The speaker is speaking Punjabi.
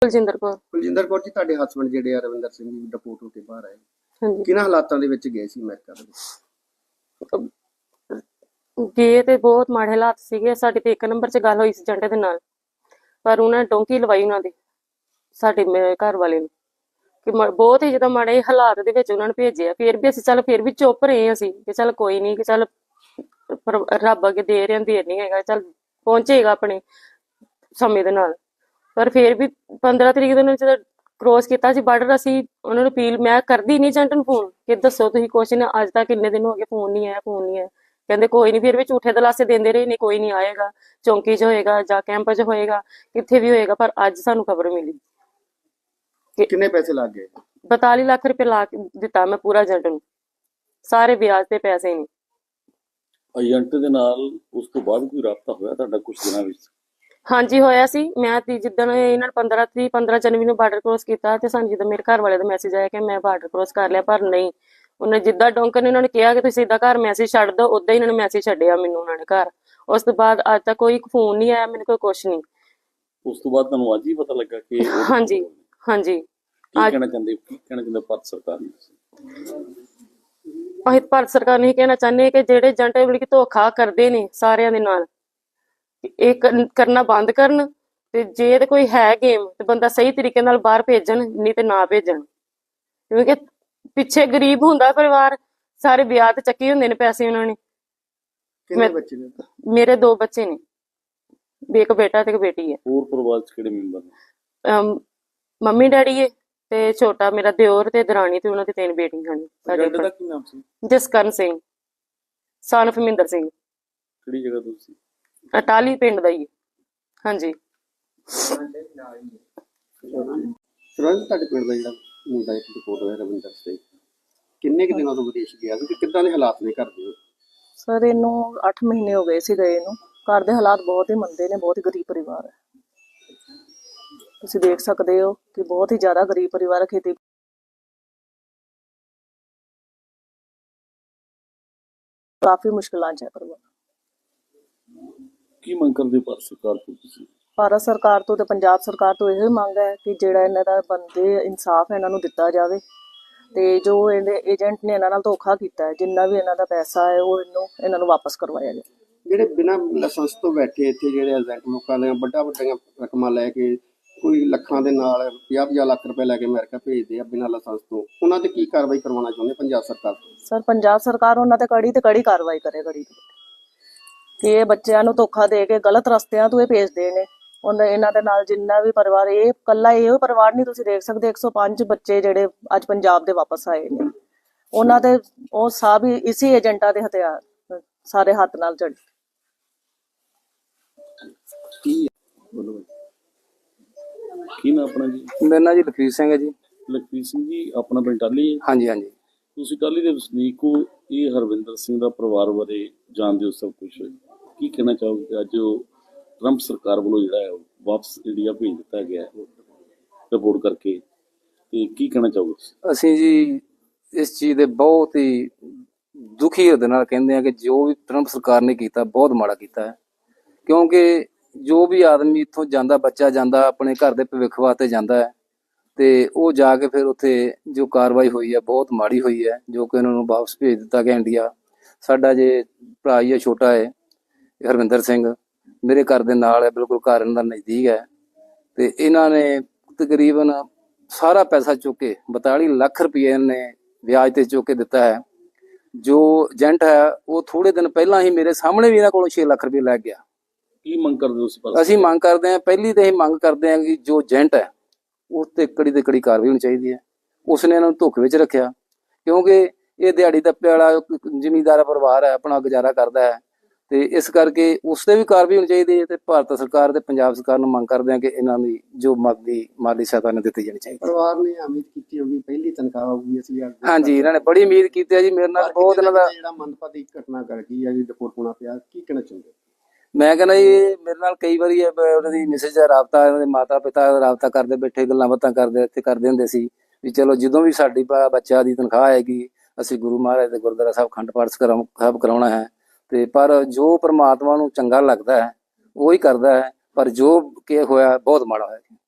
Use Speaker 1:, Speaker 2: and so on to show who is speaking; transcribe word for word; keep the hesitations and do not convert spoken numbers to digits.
Speaker 1: ਕੁਲਜਿੰਦਰ ਕੌਰ।
Speaker 2: ਕੁਲਜਿੰਦਰ ਕੌਰ ਜੀ, ਤੁਹਾਡੇ ਹਸਬੰਡ ਜਿਹੜੇ ਆ ਰਵਿੰਦਰ ਸਿੰਘ ਜੀ ਡਿਪੋਰਟ ਹੋ ਕੇ ਬਾਹਰ ਆਏ,
Speaker 1: ਹਾਂਜੀ,
Speaker 2: ਕਿਹਨਾਂ ਹਾਲਾਤਾਂ ਦੇ ਵਿੱਚ ਗਏ ਸੀ ਅਮਰੀਕਾ ਦੇ ਵਿੱਚ?
Speaker 1: ਗਏ ਤੇ ਬਹੁਤ ਮਾੜੇ ਹਾਲਾਤ ਸੀਗੇ। ਸਾਡੀ ਤੇ ਇੱਕ ਨੰਬਰ 'ਚ ਗੱਲ ਹੋਈ ਸੀ ਏਜੰਟ ਦੇ ਨਾਲ, ਪਰ ਉਹਨਾਂ ਨੇ ਡੋਂਕੀ ਲਵਾਈ ਉਹਨਾਂ ਦੀ ਸਾਡੇ ਮੇਰੇ ਘਰ ਵਾਲੇ ਨੂੰ ਕਿ ਮ- ਬਹੁਤ ਹੀ ਜ਼ਿਆਦਾ ਮਾੜੇ ਹਾਲਾਤ ਦੇ ਵਿੱਚ ਉਹਨਾਂ ਨੇ ਭੇਜਿਆ। ਫਿਰ ਵੀ ਅਸੀਂ ਚੱਲ ਫਿਰ ਵੀ ਚੁੱਪ ਰਹੇ ਅਸੀਂ ਕਿ ਚੱਲ ਕੋਈ ਨਹੀਂ, ਕਿ ਚੱਲ ਪਰ- ਰੱਬ ਅੱਗੇ ਦੇ ਰਹੇ ਦੇਰ ਨਹੀਂ ਹੈਗਾ, ਚੱਲ ਪਹੁੰਚੇਗਾ ਆਪਣੇ ਸਮੇਂ ਦੇ ਨਾਲ। ਪਰ ਫਿਰ ਵੀ ਪੰਦਰਾਂ ਤਰੀਕ ਨੂੰ ਜਦੋਂ ਕ੍ਰੋਸ ਕੀਤਾ ਸੀ ਬਾਰਡਰ, ਅਸੀਂ ਉਹਨਾਂ ਨੂੰ ਅਪੀਲ ਮੈਂ ਕਰਦੀ ਨਹੀਂ ਏਜੰਟ ਨੂੰ ਫੋਨ ਕਿ ਦੱਸੋ ਤੁਸੀਂ ਕੁਛ ਨਾ, ਅੱਜ ਤੱਕ ਕਿੰਨੇ ਦਿਨ ਹੋ ਗਏ ਫੋਨ ਨਹੀਂ ਆਇਆ ਫੋਨ ਨਹੀਂ ਆਇਆ। ਕਹਿੰਦੇ ਕੋਈ ਨਹੀਂ, ਫਿਰ ਵੀ ਝੂਠੇ ਦਲਾਸੇ ਦਿੰਦੇ ਰਹੇ, ਨਹੀਂ ਕੋਈ ਨਹੀਂ ਆਏਗਾ, ਚੌਂਕੀ 'ਚ ਹੋਏਗਾ ਜਾਂ ਕੈਂਪ 'ਚ ਹੋਏਗਾ, ਕਿੱਥੇ ਵੀ ਹੋਏਗਾ। ਪਰ ਅੱਜ ਸਾਨੂੰ ਖਬਰ ਮਿਲੀ
Speaker 2: ਕਿੰਨੇ ਪੈਸੇ ਲੱਗ ਗਏ?
Speaker 1: ਬਤਾਲੀ ਲੱਖ ਰੁਪਏ ਲਾ ਕੇ ਦਿੱਤਾ ਮੈਂ ਪੂਰਾ ਏਜੰਟ ਨੂੰ, ਸਾਰੇ ਵਿਆਜ ਤੇ ਪੈਸੇ ਨੇ।
Speaker 3: ਏਜੰਟ ਦੇ ਨਾਲ ਉਸ ਤੋਂ ਬਾਅਦ ਕੋਈ ਰਾਬਤਾ ਹੋਇਆ ਤੁਹਾਡਾ ਕੁਝ ਦਿਨਾਂ ਵਿੱਚ?
Speaker 1: ਹਾਂਜੀ ਹੋਇਆ ਸੀ। ਮੈਂ ਤੀ ਜਿੱਦਣ ਇਹਨਾਂ ਨੇ ਪੰਦਰਾਂ ਤਰੀਕ ਪੰਦਰਾਂ ਜਨਵਰੀ ਨੂੰ ਬਾਰਡਰ ਕ੍ਰੋਸ ਕੀਤਾ ਤੇ ਸਾਨੂੰ ਜਦੋਂ ਮੇਰੇ ਘਰ ਵਾਲੇ ਦਾ ਮੈਸੇਜ ਆਇਆ ਕਿ ਮੈਂ ਬਾਰਡਰ ਕ੍ਰੋਸ ਕਰ ਲਿਆ, ਪਰ ਨਹੀਂ, ਉਹਨੇ ਜਿੱਦਾਂ ਡੋਂਕਰ ਨੇ ਉਹਨਾਂ ਨੇ ਕਿਹਾ ਕਿ ਤੁਸੀਂ ਸਿੱਧਾ ਘਰ ਮੈਸੇਜ ਛੱਡ ਦਿਓ, ਉਦਾਂ ਹੀ ਇਹਨਾਂ ਨੇ ਮੈਸੇਜ ਛੱਡਿਆ ਮੈਨੂੰ ਉਹਨਾਂ ਨੇ ਘਰ। ਉਸ ਤੋਂ ਬਾਅਦ ਅੱਜ ਤੱਕ ਕੋਈ ਫੋਨ ਨਹੀਂ ਆਇਆ ਮੈਨੂੰ, ਕੋਈ ਕੁਛ ਨਹੀਂ।
Speaker 3: ਉਸ ਤੋਂ ਬਾਅਦ ਤੁਹਾਨੂੰ ਅੱਜ ਹੀ ਪਤਾ ਲੱਗਾ ਕਿ ਉਹ-
Speaker 1: ਹਾਂਜੀ ਹਾਂਜੀ।
Speaker 3: ਕੀ ਕਹਿਣਾ ਚਾਹੁੰਦੇ ਕੀ ਕਹਿਣਾ ਚਾਹੁੰਦੇ ਭਾਰਤ ਸਰਕਾਰ ਨੂੰ?
Speaker 1: ਅਸੀਂ ਭਾਰਤ ਸਰਕਾਰ ਨੂੰ ਇਹ ਕਹਿਣਾ ਚਾਹੁੰਦੇ ਹਾਂ ਕਿ ਜਿਹੜੇ ਏਜੰਟ ਮਤਲਬ ਕਿ ਧੋਖਾ ਕਰਦੇ ਨੇ ਸਾਰਿਆਂ ਦੇ ਨਾਲ, ਇਹ ਕਰ- ਕਰਨਾ ਬੰਦ ਕਰਨ। ਤੇ ਜੇ ਤੇ ਕੋਈ ਹੈ ਗੇਮ ਤੇ ਬੰਦਾ ਸਹੀ ਤਰੀਕੇ ਨਾਲ ਬਾਹਰ ਭੇਜਣ, ਨਹੀਂ ਤੇ ਨਾ ਭੇਜਣ। ਕਿਉਂਕਿ ਪਿੱਛੇ ਗਰੀਬ ਹੁੰਦਾ ਪਰਿਵਾਰ, ਸਾਰੇ ਵਿਆਹ ਤੇ ਚੱਕੇ ਹੁੰਦੇ ਨੇ ਪੈਸੇ ਉਹਨਾਂ ਨੇ।
Speaker 2: ਕਿੰਨੇ ਬੱਚੇ ਨੇ?
Speaker 1: ਮੇਰੇ ਦੋ ਬੱਚੇ ਨੇ, ਇੱਕ ਬੇਟਾ ਤੇ ਇੱਕ ਬੇਟੀ ਹੈ।
Speaker 3: ਹੋਰ ਪਰਿਵਾਰ ਚ ਕਿਹੜੇ ਮੈਂਬਰ ਨੇ?
Speaker 1: ਅਮ ਮੰਮੀ ਡੈਡੀ ਹੈ ਤੇ ਛੋਟਾ ਮੇਰਾ ਦਿਓਰ ਤੇ ਦਰਾਣੀ ਤੇ ਉਹਨਾਂ ਦੀ ਤਿੰਨ ਬੇਟੀਆਂ ਨੇ। ਸਾਡੇ
Speaker 3: ਏਜੰਟ ਦਾ ਕੀ ਨਾਮ ਸੀ?
Speaker 1: ਜਸਕਰਨ ਸਿੰਘ ਸਨ of ਮਹਿੰਦਰ ਸਿੰਘ,
Speaker 3: ਕਿਹੜੀ ਜਗ੍ਹਾ ਤੋਂ ਸੀ?
Speaker 1: ਅਟਾਲੀ ਪਿੰਡ ਦਾ ਹੀ ਹੈ। ਹਾਂਜੀ।
Speaker 2: ਸਰਵੰਤ, ਤੁਹਾਡੇ ਪਿੰਡ ਦਾ ਜਿਹੜਾ ਮੁੰਡਾ ਇੱਕ ਡਿਪੋਰਟ ਹੋਇਆ ਰਵਿੰਦਰ ਸਿੰਘ, ਕਿੰਨੇ ਕੁ ਦਿਨਾਂ ਤੋਂ ਵਿਦੇਸ਼ ਗਿਆ ਸੀ ਤੇ ਕਿੱਦਾਂ ਦੇ ਹਾਲਾਤ ਨੇ ਘਰ ਦੇ?
Speaker 4: ਸਰ ਇਹਨੂੰ ਅੱਠ ਮਹੀਨੇ ਹੋ ਗਏ ਸੀ ਗਏ ਨੂੰ। ਘਰ ਦੇ ਹਾਲਾਤ ਬਹੁਤ ਹੀ ਮੰਦੇ ਨੇ, ਬਹੁਤ ਹੀ ਗਰੀਬ ਪਰਿਵਾਰ ਹੈ। ਤੁਸੀਂ ਦੇਖ ਸਕਦੇ ਹੋ ਕਿ ਬਹੁਤ ਹੀ ਜ਼ਿਆਦਾ ਗਰੀਬ ਪਰਿਵਾਰ ਹੈ। ਖੇਤੀ ਕਾਫੀ ਮੁਸ਼ਕਿਲਾਂ 'ਚ ਹੈ ਪਰਿਵਾਰ।
Speaker 3: ਕੀ ਮੰਗ ਕਰਦੇ ਹੋ ਭਾਰਤ ਸਰਕਾਰ ਤੋਂ ਤੁਸੀਂ?
Speaker 4: ਭਾਰਤ ਸਰਕਾਰ ਤੋਂ ਤੇ ਪੰਜਾਬ ਸਰਕਾਰ ਤੋਂ ਇਹੋ ਹੀ ਮੰਗ ਹੈ ਕਿ ਜਿਹੜਾ ਇਹਨਾਂ ਦਾ ਬੰਦੇ ਇਨਸਾਫ ਇਹਨਾਂ ਨੂੰ ਦਿੱਤਾ ਜਾਵੇ, ਤੇ ਜੋ ਇਹਦੇ ਏਜੰਟ ਨੇ ਇਹਨਾਂ ਨਾਲ ਧੋਖਾ ਕੀਤਾ ਹੈ, ਜਿੰਨਾ ਵੀ ਇਹਨਾਂ ਦਾ ਪੈਸਾ ਹੈ ਉਹ ਇਹਨੂੰ ਇਹਨਾਂ ਨੂੰ ਵਾਪਸ ਕਰਵਾਇਆ ਜਾਵੇ।
Speaker 2: ਜਿਹੜੇ ਬਿਨਾਂ ਲਾਇਸੈਂਸ ਤੋਂ ਬੈਠੇ ਇੱਥੇ ਜਿਹੜੇ ਏਜੰਟ ਲੋਕਾਂ ਨੇ ਵੱਡਾ ਵੱਡੀਆਂ ਰਕਮਾਂ ਲੈ ਕੇ, ਕੋਈ ਲੱਖਾਂ ਦੇ ਨਾਲ ਪੰਜਾਹ ਪੰਜਾਹ ਲੱਖ ਰੁਪਏ ਲੈ ਕੇ ਅਮਰੀਕਾ ਭੇਜਦੇ ਆ ਬਿਨਾਂ ਲਾਇਸੈਂਸ ਤੋਂ, ਉਹਨਾਂ ਤੇ ਕੀ ਕਾਰਵਾਈ ਕਰਵਾਉਣਾ ਚਾਹੁੰਦੇ ਪੰਜਾਬ ਸਰਕਾਰ?
Speaker 4: ਸਰ ਪੰਜਾਬ ਸਰਕਾਰ ਉਹਨਾਂ ਤੇ ਕੜੀ ਤੇ ਕੜੀ ਕਾਰਵਾਈ ਕਰੇ, ਕੜੀ ਕਿ ਇਹ ਬੱਚਿਆਂ ਨੂੰ ਧੋਖਾ ਦੇ ਕੇ ਗਲਤ ਰਸਤਿਆਂ ਤੋਂ ਇਹ ਭੇਜਦੇ ਨੇ। ਉਹਨਾਂ ਇਹਨਾਂ ਦੇ ਨਾਲ ਜਿੰਨਾ ਵੀ ਪਰਿਵਾਰ, ਇਹ ਇਕੱਲਾ ਇਹੋ ਪਰਿਵਾਰ ਨਹੀਂ, ਤੁਸੀਂ ਦੇਖ ਸਕਦੇ ਇੱਕ ਸੌ ਪੰਜ ਬੱਚੇ ਜਿਹੜੇ ਅੱਜ ਪੰਜਾਬ ਦੇ ਵਾਪਸ ਆਏ ਨੇ, ਉਹਨਾਂ ਦੇ ਉਹ ਸਭ ਹੀ ਇਸੇ ਏਜੰਟਾਂ ਦੇ ਹਥਿਆਰ ਸਾਰੇ ਹੱਥ ਨਾਲ ਚੜ੍ਹ।
Speaker 2: ਕੀ ਬੋਲੋ
Speaker 3: ਕੀ ਨਾ ਆਪਣਾ ਜੀ?
Speaker 5: ਮੇਰਾ ਨਾਂ ਜੀ ਲਖਵੀਰ ਸਿੰਘ ਹੈ ਜੀ।
Speaker 3: ਲਖਵੀਰ ਸਿੰਘ ਜੀ, ਆਪਣਾ ਪਿੰਡ ਟਾਹਲੀ ਹੈ?
Speaker 5: ਹਾਂਜੀ ਹਾਂਜੀ।
Speaker 3: ਤੁਸੀਂ ਟਾਹਲੀ ਦੇ ਵਸਨੀਕ ਹੋ, ਇਹ ਹਰਵਿੰਦਰ ਸਿੰਘ ਦਾ ਪਰਿਵਾਰ ਬਾਰੇ ਜਾਣਦੇ ਹੋ ਸਭ ਕੁਝ, ਕੀ ਕਹਿਣਾ ਚਾਹੋਗੇ ਅੱਜ ਉਹ ਟਰੰਪ ਸਰਕਾਰ ਵੱਲੋਂ ਜਿਹੜਾ ਹੈ ਉਹ ਵਾਪਸ ਇੰਡੀਆ ਭੇਜ ਦਿੱਤਾ ਗਿਆ ਰਿਪੋਰਟ ਕਰਕੇ, ਤੇ ਕੀ ਕਹਿਣਾ ਚਾਹੋਗੇ?
Speaker 5: ਅਸੀਂ ਜੀ ਇਸ ਚੀਜ਼ ਦੇ ਬਹੁਤ ਹੀ ਦੁਖੀ ਹਿਰਦੇ ਨਾਲ ਕਹਿੰਦੇ ਹਾਂ ਕਿ ਜੋ ਵੀ ਟਰੰਪ ਸਰਕਾਰ ਨੇ ਕੀਤਾ ਬਹੁਤ ਮਾੜਾ ਕੀਤਾ ਹੈ। ਕਿਉਂਕਿ ਜੋ ਵੀ ਆਦਮੀ ਇੱਥੋਂ ਜਾਂਦਾ, ਬੱਚਾ ਜਾਂਦਾ ਆਪਣੇ ਘਰ ਦੇ ਭਵਿੱਖ ਵਾਸਤੇ ਜਾਂਦਾ ਹੈ, ਤੇ ਉਹ ਜਾ ਕੇ ਫਿਰ ਉੱਥੇ ਜੋ ਕਾਰਵਾਈ ਹੋਈ ਹੈ ਬਹੁਤ ਮਾੜੀ ਹੋਈ ਹੈ, ਜੋ ਕਿ ਉਹਨਾਂ ਨੂੰ ਵਾਪਸ ਭੇਜ ਦਿੱਤਾ ਗਿਆ ਇੰਡੀਆ। ਸਾਡਾ ਜੇ ਭਰਾ ਹੀ ਹੈ, ਛੋਟਾ ਹੈ ਹਰਵਿੰਦਰ ਸਿੰਘ, ਮੇਰੇ ਘਰ ਦੇ ਨਾਲ ਹੈ, ਬਿਲਕੁਲ ਘਰ ਇਹਨਾਂ ਦਾ ਨਜ਼ਦੀਕ ਹੈ, ਤੇ ਇਹਨਾਂ ਨੇ ਤਕਰੀਬਨ ਸਾਰਾ ਪੈਸਾ ਚੁੱਕ ਕੇ ਬਤਾਲੀ ਲੱਖ ਰੁਪਏ ਨੇ ਵਿਆਜ ਤੇ ਚੁੱਕ ਕੇ ਦਿੱਤਾ ਹੈ। ਜੋ ਏਜੰਟ ਹੈ ਉਹ ਥੋੜੇ ਦਿਨ ਪਹਿਲਾਂ ਹੀ ਮੇਰੇ ਸਾਹਮਣੇ ਵੀ ਇਹਨਾਂ ਕੋਲੋਂ ਛੇ ਲੱਖ ਰੁਪਏ ਲੈ ਗਿਆ।
Speaker 3: ਕੀ ਮੰਗ ਕਰਦੇ ਹੋ ਤੁਸੀਂ?
Speaker 5: ਅਸੀਂ ਮੰਗ ਕਰਦੇ ਹਾਂ, ਪਹਿਲੀ ਤੇ ਇਹ ਮੰਗ ਕਰਦੇ ਹਾਂ ਕਿ ਜੋ ਏਜੰਟ ਹੈ ਉਸ ਤੇ ਕੜੀ ਤੇ ਕੜੀ ਕਾਰਵਾਈ ਹੋਣੀ ਚਾਹੀਦੀ ਹੈ। ਉਸਨੇ ਇਹਨਾਂ ਨੂੰ ਧੋਖੇ ਵਿੱਚ ਰੱਖਿਆ, ਕਿਉਂਕਿ ਇਹ ਦਿਹਾੜੀ ਦੱਪੇ ਵਾਲਾ ਜ਼ਿਮੀਂਦਾਰ ਪਰਿਵਾਰ ਹੈ, ਆਪਣਾ ਗੁਜ਼ਾਰਾ ਕਰਦਾ ਹੈ, ਤੇ ਇਸ ਕਰਕੇ ਉਸ ਤੇ ਵੀ ਕਾਰਵਾਈ ਹੋਣੀ ਚਾਹੀਦੀ ਹੈ। ਤੇ ਭਾਰਤ ਸਰਕਾਰ ਤੇ ਪੰਜਾਬ ਸਰਕਾਰ ਨੂੰ ਮੰਗ ਕਰਦੇ ਹਾਂ ਕਿ ਇਹਨਾਂ ਦੀ ਜੋ ਮਾਲੀ ਮਾਲੀ ਸਹਾਇਤਾ ਨੇ ਦਿੱਤੀ ਜਾਣੀ ਚਾਹੀਦੀ ਹੈ।
Speaker 2: ਪਰਿਵਾਰ ਨੇ ਉਮੀਦ ਕੀਤੀ ਹੋਗੀ ਪਹਿਲੀ ਤਨਖਾਹ ਆਊਗੀ ਅਸੀਂ।
Speaker 5: ਹਾਂਜੀ, ਇਹਨਾਂ ਨੇ ਬੜੀ ਉਮੀਦ ਕੀਤੀ ਹੈ ਜੀ ਮੇਰੇ ਨਾਲ। ਬਹੁਤ ਇਹਨਾਂ ਦਾ
Speaker 2: ਜਿਹੜਾ ਮੰਦਭਾਗੀ ਘਟਨਾ ਕਰ ਗਈ ਹੈ ਜੀ, ਡਿਪੋਰਟ ਹੋਣਾ ਪਿਆ, ਕੀ ਕਹਿਣਾ ਚਾਹੁੰਦੇ?
Speaker 5: ਮੈਂ ਕਹਿੰਦਾ ਜੀ ਮੇਰੇ ਨਾਲ ਕਈ ਵਾਰੀ ਉਹਨਾਂ ਦੀ ਮਿਸਿਸ ਦਾ ਰਾਬਤਾ, ਉਹਨਾਂ ਦੇ ਮਾਤਾ ਪਿਤਾ ਦਾ ਰਾਬਤਾ ਕਰਦੇ ਬੈਠੇ, ਗੱਲਾਂ ਬਾਤਾਂ ਕਰਦੇ ਇੱਥੇ ਕਰਦੇ ਹੁੰਦੇ ਸੀ ਵੀ ਚਲੋ ਜਦੋਂ ਵੀ ਸਾਡੀ ਬੱਚਾ ਦੀ ਤਨਖਾਹ ਆਏਗੀ ਅਸੀਂ ਗੁਰੂ ਮਹਾਰਾਜ ਦੇ ਗੁਰਦੁਆਰਾ ਸਾਹਿਬ ਅਖੰਡ ਪਾਠ ਸਾਹਿਬ ਕਰਾਉਣਾ ਹੈ। ਤੇ ਪਰ ਜੋ ਪ੍ਰਮਾਤਮਾ ਨੂੰ ਚੰਗਾ ਲੱਗਦਾ ਹੈ ਉਹੀ ਕਰਦਾ ਹੈ, ਪਰ ਜੋ ਕਿ ਹੋਇਆ ਬਹੁਤ ਮਾੜਾ ਹੋਇਆ।